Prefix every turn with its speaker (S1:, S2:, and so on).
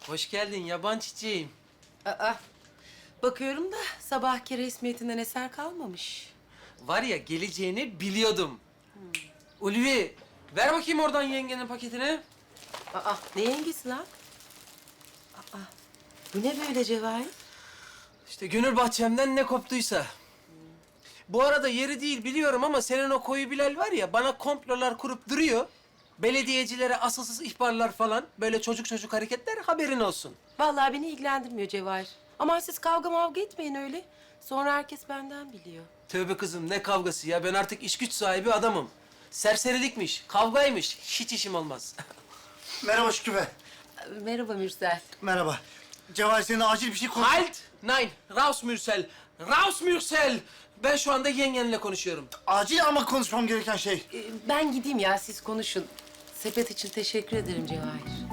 S1: Hoş geldin yaban çiçeğim.
S2: Aa, bakıyorum da sabahki resmiyetinden eser kalmamış.
S1: Var ya geleceğini biliyordum. Ulvi, ver bakayım oradan yengenin paketini.
S2: Aa, ne yengesi lan? Aa, bu ne böyle Cevahir?
S1: İşte gönül bahçemden ne koptuysa. Bu arada yeri değil biliyorum ama senin o koyu Bilal var ya bana komplolar kurup duruyor. Belediyecilere asılsız ihbarlar falan böyle çocuk hareketler haberin olsun.
S2: Vallahi beni ilgilendirmiyor Cevahir. Aman siz kavga mavga etmeyin öyle. Sonra herkes benden biliyor.
S1: Tövbe kızım ne kavgası ya ben artık iş güç sahibi adamım. Serserilikmiş, kavgaymış hiç işim olmaz.
S3: Merhaba Şükrü Bey.
S2: Merhaba Mürsel.
S3: Merhaba. Cevahir seninle acil bir şey konuş...
S1: Halt! Nein, raus Mürsel! Raus Mürsel! Ben şu anda yengenle konuşuyorum.
S3: Acil ama konuşmam gereken şey.
S2: Ben gideyim ya siz konuşun. Sepet için teşekkür ederim Cevahir.